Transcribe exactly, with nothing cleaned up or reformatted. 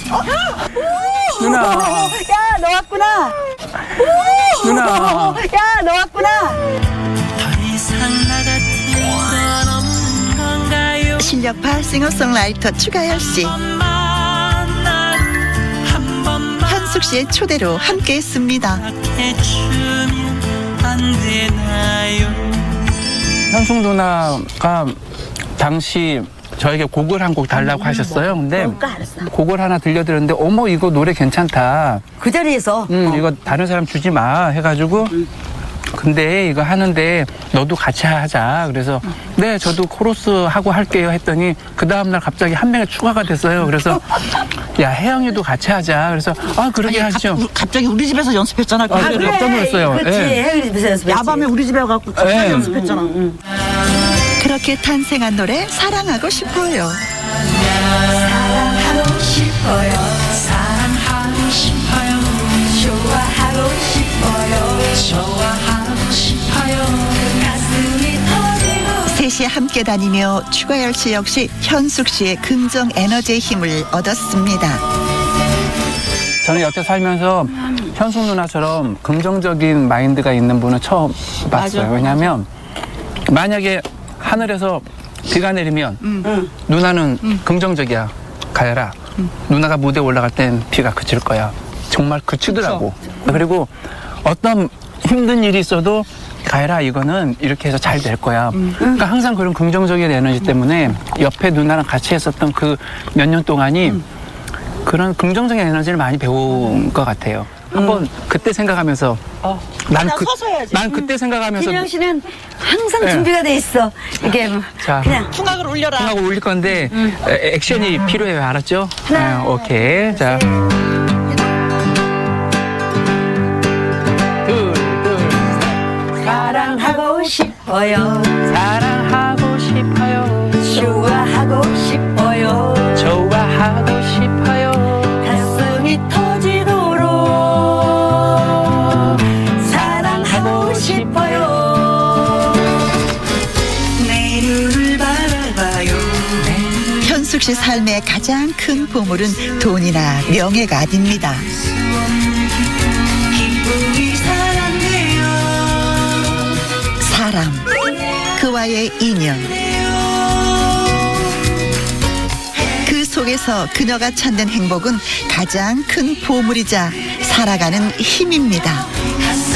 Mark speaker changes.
Speaker 1: 누나.
Speaker 2: 야, 너 왔구나.
Speaker 1: 누나.
Speaker 2: 야, 너 왔구나.
Speaker 3: 실력파 싱어송라이터 추가열 씨, 현숙 씨의 초대로 함께했습니다.
Speaker 1: 현숙 누나가 당시 저에게 곡을 한 곡 달라고 하셨어요. 근데
Speaker 2: 뭘까 알았어.
Speaker 1: 곡을 하나 들려드렸는데 어머 이거 노래 괜찮다.
Speaker 2: 그 자리에서.
Speaker 1: 음 이거 다른 사람 주지 마 해가지고 근데 이거 하는데 너도 같이 하자. 그래서 네 저도 코러스 하고 할게요 했더니 그 다음날 갑자기 한 명이 추가가 됐어요. 그래서 야 혜영이도 같이 하자. 그래서 아 그러게 하시죠.
Speaker 4: 갑- 갑자기 우리 집에서 연습했잖아.
Speaker 1: 아,
Speaker 4: 그래.
Speaker 1: 그래. 깜짝 놀랐어요.
Speaker 2: 그렇지.
Speaker 1: 예.
Speaker 2: 혜영이 집에서 연습했지.
Speaker 4: 야밤에 우리 집에 가고 같이
Speaker 1: 예.
Speaker 4: 연습했잖아.
Speaker 3: 그렇게 탄생한 노래 사랑하고 싶어요.
Speaker 2: 사랑하고 싶어요. 사랑하고 싶어요. 좋아하고 싶어요. 좋아하고 싶어요. 가슴이 터지고.
Speaker 3: 셋이 함께 다니며 추가열 씨 역시 현숙 씨의 긍정 에너지의 힘을 얻었습니다.
Speaker 1: 저는 여태 살면서 현숙 누나처럼 긍정적인 마인드가 있는 분은 처음 봤어요.
Speaker 4: 맞아.
Speaker 1: 왜냐하면 만약에 하늘에서 비가 내리면 누나는 긍정적이야. 가열아. 누나가 무대에 올라갈 땐 비가 그칠 거야. 정말 그치더라고. 그리고 어떤 힘든 일이 있어도 가열아 이거는 이렇게 해서 잘 될 거야. 그러니까 항상 그런 긍정적인 에너지 때문에 옆에 누나랑 같이 했었던 그 몇 년 동안이 그런 긍정적인 에너지를 많이 배운 것 같아요. 한번 그때 생각하면서 난,
Speaker 4: 그냥
Speaker 1: 그,
Speaker 4: 서서 해야지.
Speaker 1: 난 그때 생각하면서
Speaker 2: 김영 씨는 항상
Speaker 1: 네.
Speaker 2: 준비가 돼 있어. 이게 뭐
Speaker 1: 자,
Speaker 2: 그냥
Speaker 4: 풍악을 울려라.
Speaker 1: 하고 올릴 건데 에, 액션이 필요해요. 알았죠?
Speaker 2: 하나,
Speaker 1: 네, 오케이. 자. 둘, 둘,
Speaker 2: 사랑하고 싶어요.
Speaker 1: 사랑하고 싶어요.
Speaker 2: 좋아하고 싶어요.
Speaker 1: 좋아하고 싶어요.
Speaker 2: 가슴이 터지도록 사랑하고 싶어요. 내 눈을 바라봐요.
Speaker 3: 현숙 씨 삶의 가장 큰 보물은 돈이나 명예가 아닙니다.
Speaker 2: 기쁨이 사랑돼요.
Speaker 3: 사람, 그와의 인연, 그 속에서 그녀가 찾는 행복은 가장 큰 보물이자 살아가는 힘입니다.